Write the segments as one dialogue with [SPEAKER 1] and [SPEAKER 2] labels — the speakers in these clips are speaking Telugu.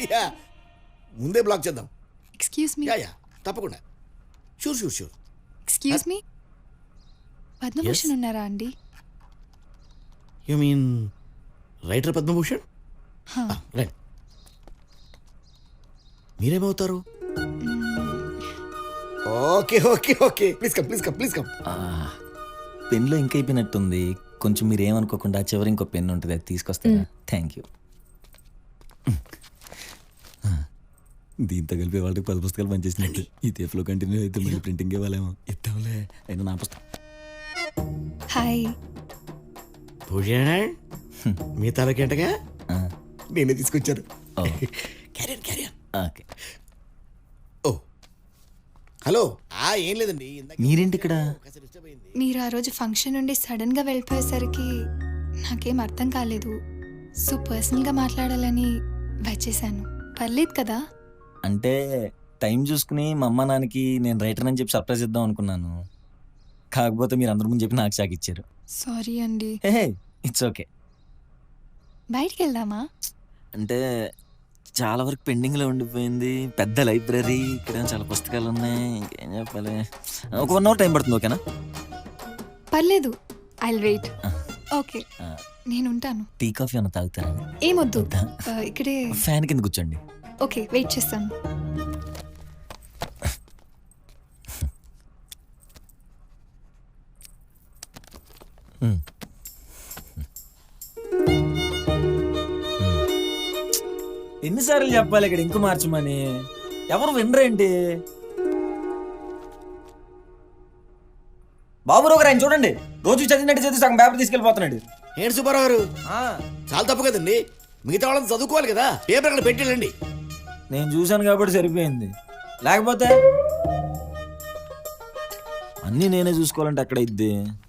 [SPEAKER 1] యా ముందే బ్లాక్ చేద్దాం.
[SPEAKER 2] Excuse me.
[SPEAKER 1] యా యా తప్పకుండా. Sure sure sure.
[SPEAKER 2] Excuse me, Padmabhushan
[SPEAKER 1] Yes?
[SPEAKER 2] ఉన్నారా అండి?
[SPEAKER 1] You mean writer Padmabhushan? Right. మీరేమవుతారు? Okay okay okay, please come please come please come.
[SPEAKER 3] పెన్లో ఇంక అయిపోయినట్టుంది. కొంచెం మీరు ఏమనుకోకుండా చివరి ఇంకో పెన్ ఉంటుంది, అది తీసుకొస్తారా? Thank you. దీంతో కలిపి వాళ్ళకి 10 పుస్తకాలు పనిచేసినట్టు. ఈ తేపులో కంటిన్యూ అయితే మళ్ళీ ప్రింటింగ్ ఇవ్వాలేమో. ఇద్దాంలే, అయినా నా పుస్తకం.
[SPEAKER 2] హాయ్.
[SPEAKER 1] భూషణ్ మీ తలకేంటగా నేనే తీసుకొచ్చాను. Carrier carrier.
[SPEAKER 3] ఓకే.
[SPEAKER 1] ఓ హలో. ఏం లేదండి,
[SPEAKER 3] మీరేంటి ఇక్కడ?
[SPEAKER 2] మీరు ఆ రోజు ఫంక్షన్ నుండి సడన్ గా వెళ్ళిపోయేసరికి నాకేం అర్థం కాలేదు. సో పర్సనల్ గా మాట్లాడాలని వచ్చేసాను. పర్లేదు కదా?
[SPEAKER 3] అంటే టైం చూసుకుని మా అమ్మ నాన్నకి నేను రైటర్ అని చెప్పి సర్ప్రైజ్ ఇద్దాం అనుకున్నాను. కాకపోతే మీరు అందరి ముందు చెప్పి నాకు షాక్ ఇచ్చారు.
[SPEAKER 2] సారీ అండి.
[SPEAKER 3] Hey, it's okay.
[SPEAKER 2] బయటికి వెళ్దామా?
[SPEAKER 3] అంటే చాలా వరకు పెండింగ్లో ఉండిపోయింది. పెద్ద లైబ్రరీ, ఇక్కడ చాలా పుస్తకాలు ఉన్నాయి. ఇంకేం చెప్పాలి, ఒక 1 hour టైం పడుతుంది. ఓకేనా?
[SPEAKER 2] పర్లేదు, ఐల్ వెయిట్. ఓకే, నేను ఉంటాను.
[SPEAKER 3] టీ కాఫీ అన్న తాగుతారా?
[SPEAKER 2] ఏమొద్దు, ఇక్కడే
[SPEAKER 3] ఫ్యాన్ కింద కూర్చోండి.
[SPEAKER 2] ఓకే, వెయిట్ చేస్తాను.
[SPEAKER 3] ఎన్నిసార్లు చెప్పాలి ఇక్కడ ఇంకు మార్చమని? ఎవరు వినరేంటి? బాబురావు గారు ఆయన చూడండి, రోజు చదివినట్టు చదివి సగం పేపర్ తీసుకెళ్ళిపోతున్నాడు.
[SPEAKER 1] ఏంటి సుబ్బారావు గారు, చాలా తప్పు కదండి. మిగతా వాళ్ళని చదువుకోవాలి కదా, పేపర్ అక్కడ పెట్టేళ్ళండి.
[SPEAKER 3] నేను చూశాను కాబట్టి సరిపోయింది, లేకపోతే అన్నీ నేనే చూసుకోవాలంటే అక్కడ ఇద్ది.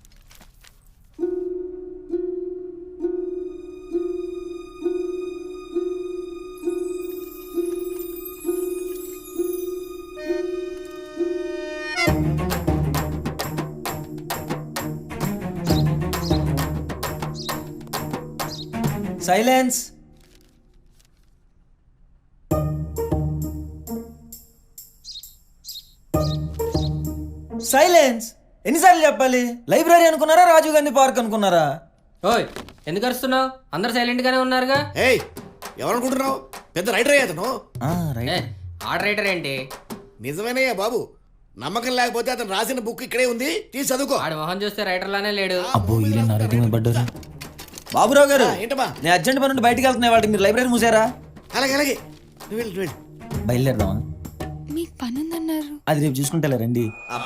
[SPEAKER 3] సైలెన్స్. సైలెన్స్. ఎన్నిసార్లు చెప్పాలి? లైబ్రరీ అనుకున్నారా, రాజీవ్ గాంధీ పార్క్ అనుకున్నారా?
[SPEAKER 4] ఓయ్, ఎందుకు అరుస్తున్నావు? అందరు సైలెంట్ గానే ఉన్నారుగా.
[SPEAKER 1] ఏయ్, ఎవరనుకుంటున్నావు? పెద్ద రైటర్ అయ్యా అతను.
[SPEAKER 4] ఆర్డర్ రైటర్ ఏంటి?
[SPEAKER 1] నిజమేనయ్యా బాబు, నమ్మకం లేకపోతే అతను రాసిన బుక్ ఇక్కడే ఉంది, తీసి చదువుకో.
[SPEAKER 4] ఆడి మొహం చూస్తే రైటర్ లానే లేడు.
[SPEAKER 3] అబ్బో, వీళ్ళు నా రైటింగ్ మీద పడ్డారు. బాబురావు గారు,
[SPEAKER 1] ఏంటమ్మా?
[SPEAKER 3] నేను అర్జెంట్ పని నుండి బయటికి వెళ్తున్నాయి, వాటికి మీరు లైబ్రరీ మూసారా?
[SPEAKER 1] అలాగే అలాగే, నువ్వు వెళ్ళు, నువ్వు వెళ్ళు.
[SPEAKER 3] బయలుదేరదామా?
[SPEAKER 2] మీకు పని ఉందన్నారు.
[SPEAKER 3] అది రేపు చూసుకుంటా రండి.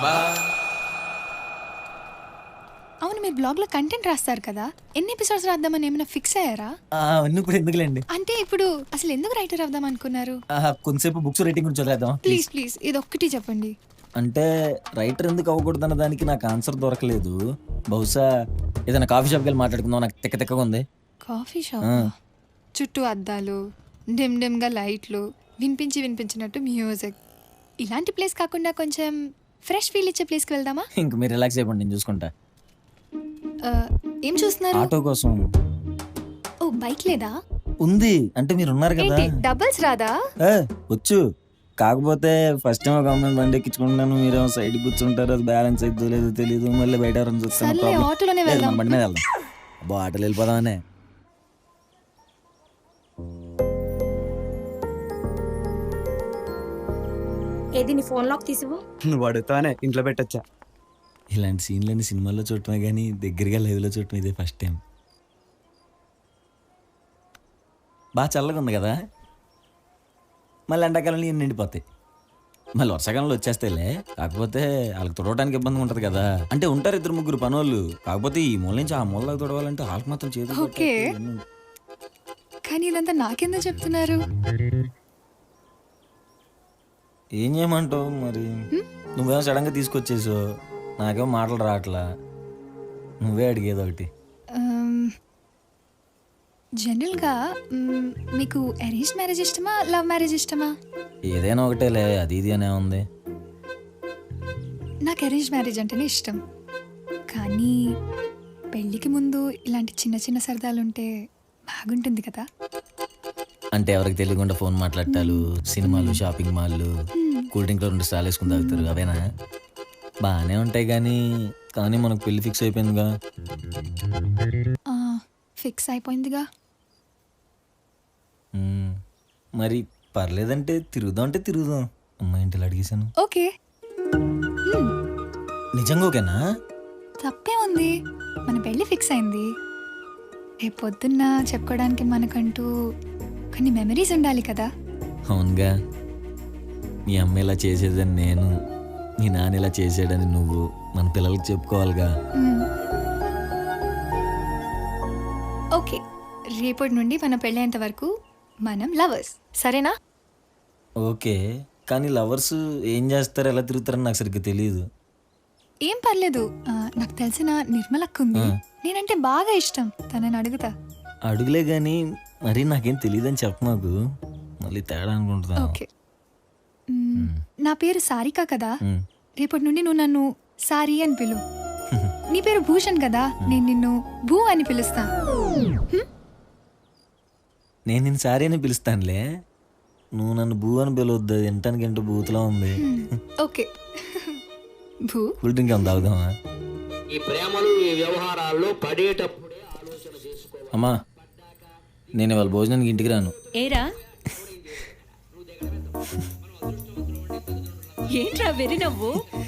[SPEAKER 2] అవును, మీరు బ్లాగ్ లో కంటెంట్ రాస్తారు కదా, ఎన్ని ఎపిసోడ్స్ రాద్దామని ఏమైనా ఫిక్స్ అయ్యారా?
[SPEAKER 3] అవన్నీ ఇప్పుడు ఎందుకులేండి.
[SPEAKER 2] అంటే ఇప్పుడు అసలు ఎందుకు రైటర్ అవుదాం అనుకున్నారు?
[SPEAKER 3] కొంతసేపు బుక్స్ రైటింగ్ గురించి చదివేద్దాం.
[SPEAKER 2] ప్లీజ్ ప్లీజ్, ఇది ఒక్కటి చెప్పండి.
[SPEAKER 3] అంటే రైటర్ ఎందుకు అవ్వకూడదన్న దానికి నాకు ఆన్సర్ దొరకలేదు. బహుశా ఏదైనా కాఫీ షాప్కి వెళ్ళి మాట్లాడుకుందాం, నాకు తిక్కగా ఉంది.
[SPEAKER 2] కాఫీ షాప్ చుట్టూ అద్దాలు, డిమ్ డిమ్ గా లైట్లు, వినిపించినట్టు మ్యూజిక్, ఇలాంటి ప్లేస్ కాకుండా కొంచెం ఫ్రెష్ ఫీల్ ఇచ్చే ప్లేస్కి వెళ్దామా?
[SPEAKER 3] ఇంక మీరు రిలాక్స్ అయిపోండి, నేను చూసుకుంటా.
[SPEAKER 2] ఏం చూస్తున్నారు?
[SPEAKER 3] ఆటో కోసం.
[SPEAKER 2] ఓ, బైక్ లేదా?
[SPEAKER 3] ఉంది, అంటే మీరు ఉన్నారు కదా.
[SPEAKER 2] డబుల్స్ రాదా?
[SPEAKER 3] వచ్చు, కాకపోతే ఫస్ట్ టైం ఒక అమ్మాయిని బండి ఎక్కించుకుంటాను, మీరేమో సైడ్ కూర్చుంటారు, అది బ్యాలెన్స్ అయిద్దో లేదో తెలియదు, మళ్ళీ బయట ఎవరైనా చూస్తాను.
[SPEAKER 2] ఆటోలోనే వెళ్దాం.
[SPEAKER 3] బండి మీద వెళ్దాం. అబ్బో, ఆటోలో వెళ్ళిపోదామనే.
[SPEAKER 5] ఏది నీ ఫోన్ లాక్ తీసివు?
[SPEAKER 6] నువ్వు అడుగుతానే ఇంట్లో పెట్టొచ్చా.
[SPEAKER 3] ఇలాంటి సీన్లన్నీ సినిమాల్లో చూడటమే కానీ దగ్గరగా లైవ్లో చూడటం ఇదే ఫస్ట్ టైం. బాగా చల్లగా ఉంది కదా, మళ్ళీ ఎండాకాలంలో ఇన్ని నిండిపోతాయి, మళ్ళీ వర్షాకాలంలో వచ్చేస్తాయిలే. కాకపోతే వాళ్ళకి తుడవడానికి ఇబ్బంది ఉంటుంది కదా. అంటే ఉంటారు 2-3 పనోళ్ళు, కాకపోతే ఈ మూల నుంచి ఆ మూలకి తుడవాలంటే వాళ్ళకి మాత్రం చేతులు.
[SPEAKER 2] ఓకే, కానీ ఇదంతా నాకెందుకు చెప్తున్నారు?
[SPEAKER 3] ఏం చేయమంటావు మరి? నువ్వేమో సడన్గా తీసుకొచ్చేసావు, నాకేమో మాటలు రావట్లా. నువ్వే అడిగేది ఒకటి.
[SPEAKER 2] జనరల్గా మీకు అరేంజ్ మ్యారేజ్ ఇష్టమా, లవ్ మ్యారేజ్ ఇష్టమా?
[SPEAKER 3] ఏదైనా ఒకటేలే, అది ఇది అనే ఉంది.
[SPEAKER 2] నాకు అరేంజ్ మ్యారేజ్ అంటేనే ఇష్టం, కానీ పెళ్ళికి ముందు ఇలాంటి చిన్న చిన్న సరదాలు ఉంటే బాగుంటుంది కదా.
[SPEAKER 3] అంటే ఎవరికి తెలియకుండా ఫోన్ మాట్లాడటాలు సినిమాలు షాపింగ్ మాల్లు కూల్ డ్రింక్లో 2 స్టాల్ వేసుకుని తాగుతారు అవేనా బాగానే ఉంటాయి కానీ మనకు పెళ్లి ఫిక్స్ అయిపోయిందిగా.
[SPEAKER 2] ఫిక్స్ అయిపోయిందిగా.
[SPEAKER 3] మరి పర్లేదంటే తిరుగుదాం అంటే తిరుగుదాం. అమ్మాయి ఇంటిలో అడిగేశాను.
[SPEAKER 2] ఓకే,
[SPEAKER 3] నిజంగా ఓకేనా?
[SPEAKER 2] తప్పే ఉంది. మన పెళ్ళి ఫిక్స్ అయింది. రేపు పొద్దున్న చెప్పుకోవడానికి మనకంటూ కొన్ని మెమరీస్ ఉండాలి కదా.
[SPEAKER 3] అవునుగా, మీ అమ్మ ఇలా చేసేదని నేను, మీ నాన్న ఇలా చేసాడని నువ్వు మన పిల్లలకి చెప్పుకోవాలిగా.
[SPEAKER 2] ఓకే, రేపటి నుండి మన పెళ్ళేంత వరకు మనం లవర్స్, సరేనా?
[SPEAKER 3] ఓకే, కానీ లవర్స్ ఏం చేస్తారు ఎలా తిరుగుతారని నాకు సరిగ్గా తెలియదు.
[SPEAKER 2] ఏం పర్లేదు, నాకు తెలిసిన నిర్మలక్క ఉంది. నేనంటే బాగా ఇష్టం, తనని అడుగుతా.
[SPEAKER 3] అడుగులే కానీ మరి నాకేం తెలియదని చెప్ప మాకు, మళ్ళీ తేడా అనుకుంటున్నా.
[SPEAKER 2] ఓకే, నా పేరు సారిక కదా, రేపటి నుండి నువ్వు నన్ను సారీ అని పిలు. నీ పేరు భూషణ్ కదా, నేను నిన్ను భూ అని పిలుస్తా.
[SPEAKER 3] నేను నిన్ను సారీ అని పిలుస్తానులే, నువ్వు నన్ను భూ అని పిలవద్దు. వినటానికి ఏంటో బూత్లా ఉంది.
[SPEAKER 2] ఓకే భూ.
[SPEAKER 3] కూల్ డ్రింక్ ఏమైనా తాగుదామా?
[SPEAKER 7] ఈ ప్రేమలు ఈ వ్యవహారాల్లో పడేటప్పుడే ఆలోచన చేసుకోవాలి.
[SPEAKER 3] అమ్మా, నేను ఇవాళ భోజనానికి ఇంటికి రాను.
[SPEAKER 8] ఏరా ఏంట్రా వెరి నవ్వు?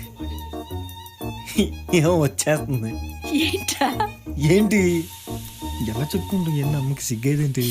[SPEAKER 3] ఏమో వచ్చేస్తుంది.
[SPEAKER 8] ఏంట్రా?
[SPEAKER 3] ఏంటి ఎలా చెప్పుకుంటూ ఎన్ని అమ్మకి సిగ్గేదేంటి?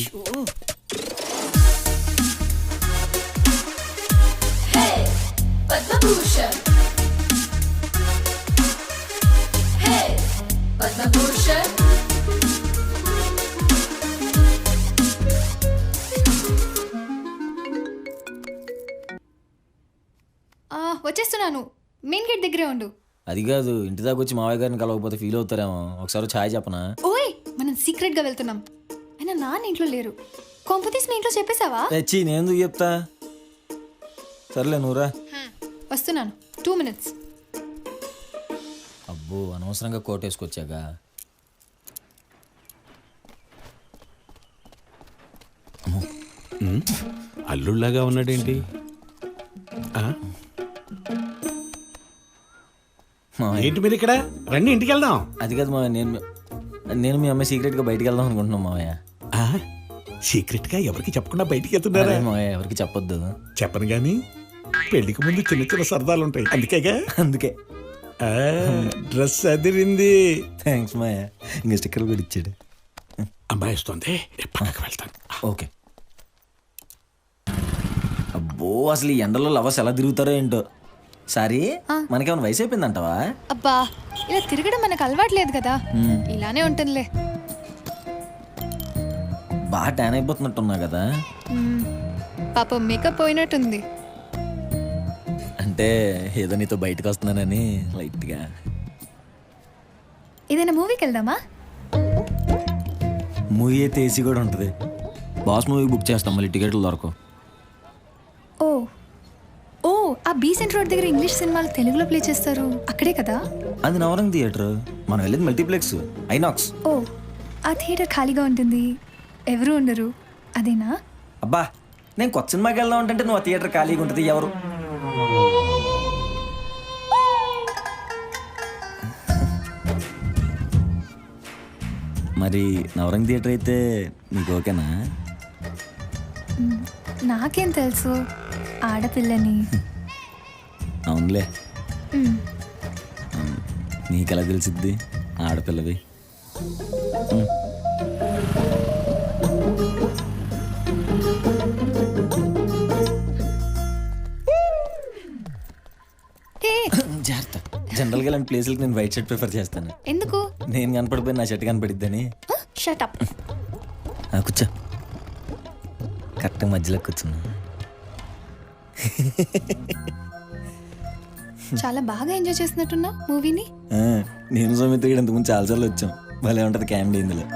[SPEAKER 2] వచ్చేస్తున్నాను, మెయిన్ గేట్ దగ్గరే ఉండు.
[SPEAKER 3] అది కాదు, ఇంటి దాకా వచ్చి మావయ్య గారిని కలవకపోతే ఫీల్ అవుతారేమో. ఒకసారి ఛాయ్ చెప్పనా?
[SPEAKER 2] ఓయ్, మనం సీక్రెట్ గా వెళ్తున్నాం. అయినా నాన్న ఇంట్లో లేరు. కొంపతీసి మీ ఇంట్లో చెప్పేశావా?
[SPEAKER 3] తెచ్చి నేను ఎందుకు చెప్తా? సర్లే నువ్వురా.
[SPEAKER 2] వస్తున్నాను, 2 minutes.
[SPEAKER 3] అబ్బో, అనవసరంగా కోట్ వేసుకొచ్చాగా.
[SPEAKER 9] అల్లుళ్ళగా ఉన్నాడేంటి? ఏంటి మీరు ఇక్కడ? రండి ఇంటికి వెళ్దాం.
[SPEAKER 3] అది కాదు మావయ్య, నేను మీ అమ్మాయి సీక్రెట్ గా బయటికి వెళ్దాం అనుకుంటున్నాం మావయ్య.
[SPEAKER 9] సీక్రెట్ గా ఎవరికి చెప్పకుండా బయటికి వెళ్తున్నారా?
[SPEAKER 3] అదే మావయ్య, ఎవరికి చెప్పొద్దు.
[SPEAKER 9] చెప్పను గాని పెళ్లికి ముందు చిన్న చిన్న సరదాలు ఉంటాయి, అందుకేగా.
[SPEAKER 3] అందుకే
[SPEAKER 9] డ్రెస్ అదిరింది.
[SPEAKER 3] థ్యాంక్స్ మావయ్య, ఇంకా స్టిక్కర్ కూడా ఇచ్చాడు.
[SPEAKER 9] అమ్మాయి వస్తుంది, పక్కకి వెళ్తాను.
[SPEAKER 3] ఓకే. అబ్బో, అసలు ఈ ఎండలో లవర్స్ ఎలా తిరుగుతారో ఏంటో. సారీ, మనకేమైనా వయసు అయిపోయిందంటావా?
[SPEAKER 2] అబ్బా, ఇలా తిరగడం మనకు అలవాట్లేదు కదా, ఇలానే ఉంటుందిలే.
[SPEAKER 3] బాగా ట్యాన్ అయిపోతున్నట్టున్నా కదా.
[SPEAKER 2] పాపం మేకప్ పోయినట్టుంది.
[SPEAKER 3] అంటే ఏదో నీతో బయటకు వస్తున్నానని లైట్గా.
[SPEAKER 2] ఏదైనా మూవీకి వెళ్దామా?
[SPEAKER 3] మూవీ అయితే ఏసీ కూడా ఉంటుంది. బాస్ మూవీ బుక్ చేస్తాం, మళ్ళీ టికెట్లు దొరకవు.
[SPEAKER 2] ఓ ఓ, ఆ బీసెంట్ రోడ్ దగ్గర ఇంగ్లీష్ సినిమాలు తెలుగులో ప్లే చేస్తారు, అక్కడే కదా?
[SPEAKER 3] అది నవరంగ్ థియేటర్, మనం వెళ్ళేది మల్టీప్లెక్స్ ఐనాక్స్.
[SPEAKER 2] ఓ, ఆ థియేటర్ ఖాళీగా ఉంటుంది, ఎవరు ఉండరు, అదేనా?
[SPEAKER 3] అబ్బా, నేను కొత్త సినిమాకి వెళ్దాం అంటే నువ్వు ఆ థియేటర్ ఖాళీగా ఉంటుంది, ఎవరు? మరి నవరంగ్ థియేటర్ అయితే నీకు ఓకేనా?
[SPEAKER 2] నాకేం తెలుసు, ఆడపిల్లని.
[SPEAKER 3] అవునులే, నీకెలా తెలిసిద్ది ఆడపిల్లవి? జాగ్రత్త. జనరల్గా ఇలాంటి ప్లేసులకి నేను వైట్ షర్ట్ ప్రిఫర్ చేస్తాను.
[SPEAKER 2] ఎందుకు?
[SPEAKER 3] నేను కనపడిపోయి నా షర్ట్ కనపడిద్దని.
[SPEAKER 2] Shut up.
[SPEAKER 3] కూర్చో, కరెక్ట్ మధ్యలో కూర్చున్నా.
[SPEAKER 2] చాలా బాగా ఎంజాయ్ చేస్తున్నట్టున్నా మూవీని.
[SPEAKER 3] నేను సౌమిత్ర ఇంతకుముందు చాలాసార్లు వచ్చాం. భలే ఉంటుంది కామెడీ ఇందులో.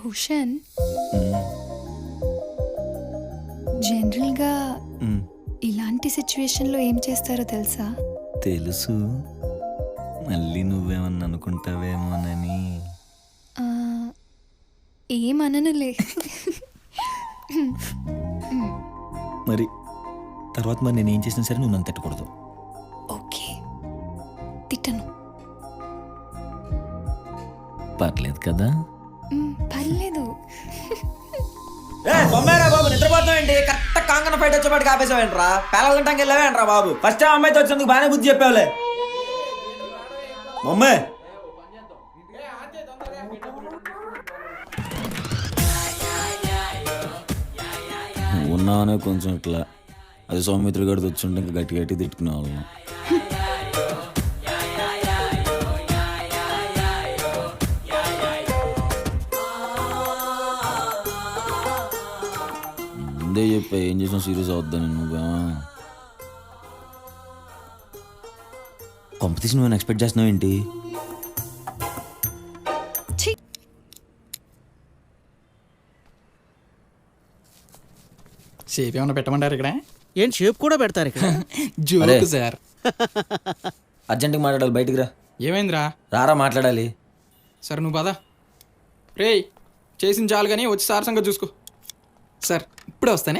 [SPEAKER 2] భూషణ్, జనరల్గా ఇలాంటి సిచ్యువేషన్లో ఏం చేస్తారో తెలుసా?
[SPEAKER 3] తెలుసు, మళ్ళీ నువ్వేమన్నా అనుకుంటావేమోనని.
[SPEAKER 2] ఆ, ఏమననులే.
[SPEAKER 3] మరి తర్వాత మరి నేను ఏం చేసినా సరే నువ్వు నన్ను తిట్టకూడదు.
[SPEAKER 2] ఓకే, తిట్టను.
[SPEAKER 3] పర్లేదు కదా?
[SPEAKER 2] పర్లేదు.
[SPEAKER 3] బాబు నిద్రపోతావేంటి? కరెక్ట్ కాంగన ఫైట్ వచ్చేపాటికి ఆపేసావేంట్రా? పేలగంటానికి వెళ్ళావేంట్రా బాబు? ఫస్ట్ అమ్మాయితో వచ్చినందుకు బాగానే బుద్ధి చెప్పావులే. మమ్మే ఉన్నావనే కొంచెం ఇట్లా, అది సౌమిత్ర గడితో వచ్చుంటే ఇంకా గట్టి గట్టి తిట్టుకునే వాళ్ళం. ముందే చెప్పా ఏం చేసినా సీరియస్ అవుద్దని. నువ్వే కాంపిటీషన్ నువ్వు ఎక్స్పెక్ట్ చేస్తున్నావు ఏంటి?
[SPEAKER 10] షేప్ ఏమైనా పెట్టమంటారు ఇక్కడ?
[SPEAKER 6] ఏంటి షేప్ కూడా పెడతారు ఇక్కడ?
[SPEAKER 10] Joke sir.
[SPEAKER 3] అర్జెంట్గా మాట్లాడాలి, బయటికి రా.
[SPEAKER 10] ఏమైందిరా?
[SPEAKER 3] రారా మాట్లాడాలి.
[SPEAKER 10] సార్ నువ్వు పద. రేయ్ చేసిన చాలు కానీ వచ్చి సార్ సంగతి చూసుకో. సార్ ఇప్పుడే వస్తానే.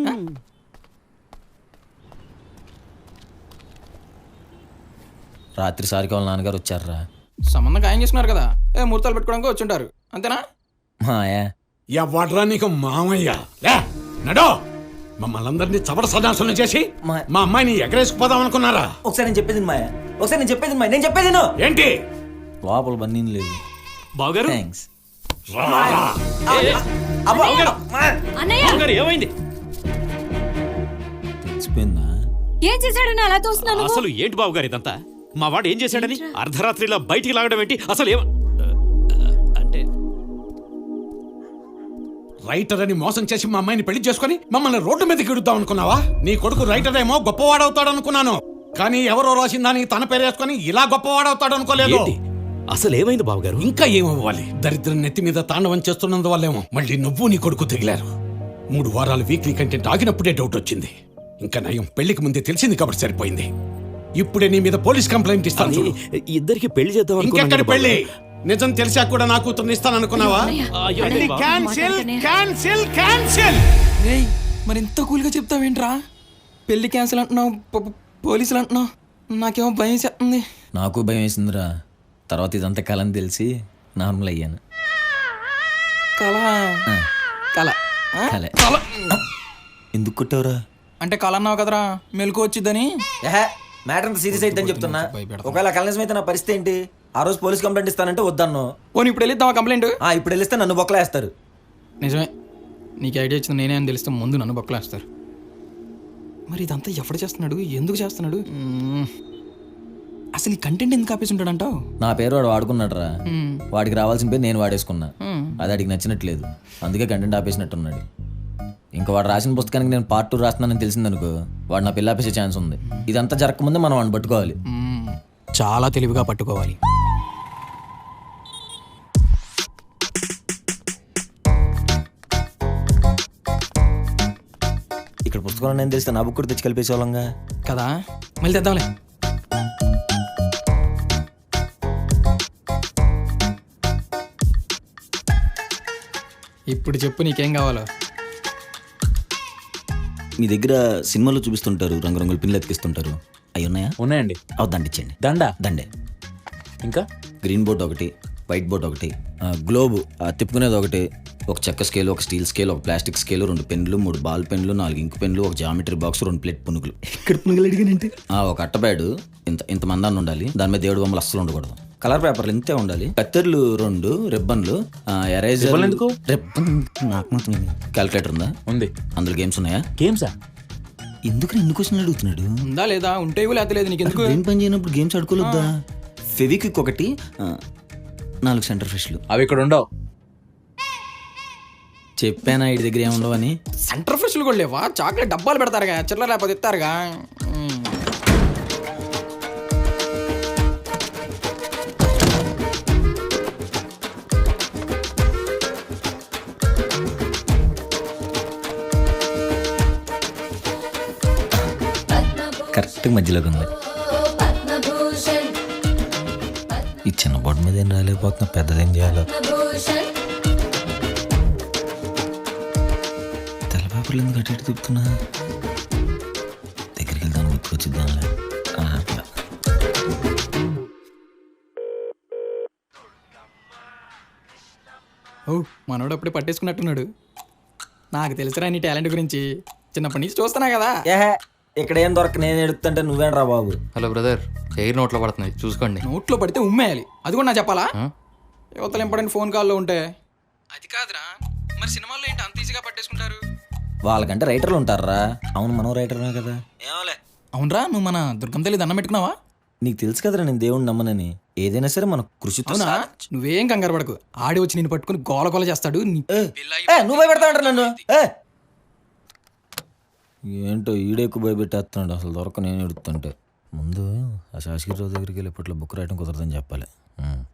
[SPEAKER 3] రాత్రి సారికి వాళ్ళ నాన్నగారు వచ్చారా?
[SPEAKER 10] సంబంధం ఖాయం చేసుకున్నారు కదా, ముహూర్తాలు పెట్టుకోవడానికి వచ్చి ఉంటారు అంతేనా?
[SPEAKER 3] మాయా
[SPEAKER 9] ఎవడ్రా నీకు మామయ్య? లే నడో, మమ్మల్ని అందరినీ చవట సదాసనం చేసి మా అమ్మాయిని ఎగరేసుకుపోదాం అనుకున్నారా?
[SPEAKER 3] ఒకసారి నేను చెప్పేది మాయా, ఒకసారి నేను చెప్పేది మాయా, నేను చెప్పేది విను.
[SPEAKER 9] ఏంటి
[SPEAKER 3] లోపల బన్నీ లేదు.
[SPEAKER 6] బావగారు
[SPEAKER 3] థ్యాంక్స్.
[SPEAKER 6] ఏమైంది?
[SPEAKER 3] తెలిసిపోయిందా?
[SPEAKER 8] ఏం చేశాడని అలా తోస్తున్నాను?
[SPEAKER 6] అసలు ఏంటి బావగారు ఇదంతా? మా వాడు ఏం చేశాడని అర్ధరాత్రిలో బయటికి లాగడం ఏంటి? అసలు అంటే
[SPEAKER 9] రైటర్ అని మోసం చేసి మా అమ్మాయిని పెళ్లి చేసుకుని మమ్మల్ని రోడ్డు మీదకి ఇడుద్దాం అనుకున్నావా? నీ కొడుకు రైటర్ ఏమో గొప్పవాడవుతాడు అనుకున్నాను, కానీ ఎవరో రాసిన దానికి తన పేరు వేసుకుని ఇలా గొప్పవాడవుతాడు అనుకోలేదు.
[SPEAKER 6] అసలు ఏమైంది బావగారు?
[SPEAKER 9] ఇంకా ఏమవ్వాలి? దరిద్రం నెత్తి మీద తాండవం చేస్తున్నందువల్లేమో మళ్ళీ నువ్వు నీ కొడుకు తెగిలారు. 3 వారాలు వీక్లీ కంటెంట్ ఆగినప్పుడే డౌట్ వచ్చింది. ఇంకా నయం పెళ్లికి ముందే తెలిసింది కాబట్టి సరిపోయింది. ఇప్పుడే నీ మీద పోలీస్ కంప్లైంట్ ఇస్తాను చూడు.
[SPEAKER 6] ఇద్దరికి పెళ్లి చేద్దాం.
[SPEAKER 9] ఇంకెక్కడి పెళ్లి? నిజం తెలిసా కూడా నా కూతుర్ని ఇస్తాననుకున్నావా?
[SPEAKER 10] రేయ్ మరి ఇంత కూల్గా చెప్తావేంట్రా? పెళ్లి క్యాన్సిల్ అంటున్నావు, పోలీసులు అంటున్నావు, నాకేమో భయం చేస్తుంది.
[SPEAKER 3] నాకు భయం వేసిందిరా. తర్వాత ఇదంతా కలని తెలిసి నార్మల్ అయ్యాను.
[SPEAKER 10] కళ కళ
[SPEAKER 3] కలే. ఎందుకు కొట్టావురా?
[SPEAKER 10] అంటే కళ అన్నావు కదరా, మెలకు వచ్చిద్దని.
[SPEAKER 3] మ్యాటర్ అంత సీరియస్ అయిద్దని చెప్తున్నా. ఒకవేళ కలనిజం అయితే నా పరిస్థితి ఏంటి? ఆ రోజు పోలీస్ కంప్లైంట్ ఇస్తానంటే వద్దన్ను.
[SPEAKER 10] పోనీ ఇప్పుడు వెళ్ళిద్దామా కంప్లైంట్?
[SPEAKER 3] ఇప్పుడు వెళ్ళిస్తే నన్ను బొక్కలేస్తారు.
[SPEAKER 10] నిజమే, నీకు ఐడియా ఇచ్చింది నేనే అని తెలిస్తే ముందు నన్ను బొక్కలేస్తారు. మరి ఇదంతా ఎవడు చేస్తున్నాడు, ఎందుకు చేస్తున్నాడు? అసలు ఈ కంటెంట్ ఎందుకు ఆపేసి ఉంటాడంటావు?
[SPEAKER 3] నా పేరు వాడు వాడుకున్నాడు రా. వాడికి రావాల్సిన పేరు నేను వాడేసుకున్నా. అది వాడికి నచ్చినట్లేదు, అందుకే కంటెంట్ ఆపేసినట్టున్నాడు. ఇంకా వాడు రాసిన పుస్తకానికి నేను పార్ట్ 2 రాస్తున్నానని తెలిసిందనుకో, వాడు నా పిల్ల ఆపేసే ఛాన్స్ ఉంది. ఇదంతా జరగకముందే మనం వాడిని పట్టుకోవాలి.
[SPEAKER 10] చాలా తెలివిగా పట్టుకోవాలి.
[SPEAKER 3] ఇక్కడ పుస్తకం నేను తెలిస్తే నా బుక్ కూడా తెచ్చి కలిపేసేవాళ్ళంగా
[SPEAKER 10] కదా, మళ్ళీ తెద్దాంలే. ఇప్పుడు చెప్పు నీకేం కావాలో.
[SPEAKER 3] మీ దగ్గర సినిమాలో చూపిస్తుంటారు, రంగురంగుల పిన్లు ఎతికిస్తుంటారు, అవి ఉన్నాయా?
[SPEAKER 6] ఉన్నాయండి.
[SPEAKER 3] దండ ఇచ్చేయండి. దండే.
[SPEAKER 6] ఇంకా
[SPEAKER 3] గ్రీన్ బోర్డ్ ఒకటి, వైట్ బోర్డ్ ఒకటి, గ్లోబ్ తిప్పుకునేది ఒకటి, ఒక చెక్క స్కేల్, ఒక స్టీల్ స్కేల్, ఒక ప్లాస్టిక్ స్కేల్, 2 పెన్లు, 3 బాల్ పెన్లు, 4 ఇంక్ పెన్లు, ఒక జామెట్రీ బాక్స్, 2 ప్లేట్ పునుగులు. ఇక్కడ పునుగులు అడిగానంటే ఒక అట్టబ్యాడు ఇంత మందాన్ని ఉండాలి. దాని మీద దేవుడు బొమ్మలు అస్సలు ఉండకూడదు. కలర్ పేపర్లు ఇంతే ఉండాలి. కత్తెర్లు 2, రిబ్బన్లు, ఎరేజర్.
[SPEAKER 6] ఎందుకు?
[SPEAKER 3] రిబ్బన్ నాకు మాత్రం. క్యాల్కులేటర్ ఉందా?
[SPEAKER 6] ఉంది.
[SPEAKER 3] అందులో గేమ్స్ ఉన్నాయా?
[SPEAKER 6] గేమ్సా?
[SPEAKER 3] ఎందుకు ఎన్ని క్వశ్చన్లు అడుగుతున్నాడు?
[SPEAKER 10] ఉందా లేదా? ఉంటే లేకపోతే లేదు. నీకు ఎందుకు?
[SPEAKER 3] ఏం పని చేయనప్పుడు గేమ్స్ ఆడుకోలేదా? ఫెవిక్విక్ ఒకటి, 4 సెంటర్ ఫ్రెష్లు.
[SPEAKER 6] అవి ఇక్కడ ఉండవు.
[SPEAKER 3] చెప్పానా ఇటు దగ్గర ఏముండవని?
[SPEAKER 10] సెంటర్ ఫ్రెష్లు కూడా లేవా? చాక్లెట్ డబ్బాలు పెడతారుగా, చిల్లర లేకపోతే ఇస్తారుగా.
[SPEAKER 3] కరెక్ట్గా మధ్యలోకి ఉంది. ఈ చిన్న బోర్డు మీద ఏం రాలేకపోతున్నా, పెద్దదేం చేయాలో. తెల్ల పేపర్లు ఎందుకు అటు ఇటు తిప్పుతున్నా? దగ్గరికి వెళ్తాను, గుర్తుకొచ్చిద్దాంలే. అట్లా
[SPEAKER 10] ఓ మనోడు అప్పుడే పట్టేసుకున్నట్టున్నాడు. నాకు తెలుసురా నీ టాలెంట్ గురించి, చిన్నప్పటి నుంచి చూస్తున్నా కదా.
[SPEAKER 3] ఏహే, ఇక్కడ ఏం దొరక నేను ఎడుతుంటే నువ్వేంట్రా బాబు?
[SPEAKER 11] హలో బ్రదర్, ఎయిర్ నోట్లో పడుతున్నాయి చూసుకోండి.
[SPEAKER 10] నోట్లో పడితే ఉమ్మేయాలి, అది కూడా నా చెప్పాలా? యువతలు ఇంపార్టెంట్ ఫోన్ కాల్లో ఉంటే అది కాదురా. మరి సినిమాల్లో ఏంటి అంత ఈజీగా పట్టేసుకుంటారు?
[SPEAKER 3] వాళ్ళకంటే రైటర్లు ఉంటారా? అవును, మనం రైటర్నే కదా. ఏమోలే.
[SPEAKER 10] అవునరా, నువ్వు మన దుర్గం తల్లి దండం పెట్టుకున్నావా?
[SPEAKER 3] నీకు తెలుసు కదరా నేను దేవుణ్ణి నమ్మనని. ఏదైనా సరే మన కృషితో
[SPEAKER 10] అవునా? నువ్వేం కంగారు పడకు, ఆడి వచ్చి నేను పట్టుకుని గోల గోల చేస్తాడు.
[SPEAKER 3] నువ్వు భయపెడతావంటారు నన్ను. ఏంటో ఈడెక్కువ భయపెట్టేస్తున్నాడు. అసలు దొరక నేను ఎడుతుంటే ముందు ఆ శాసగిరిరావు దగ్గరికి వెళ్ళి ఇప్పట్లో బుక్ రాయడం కుదరదని చెప్పాలి.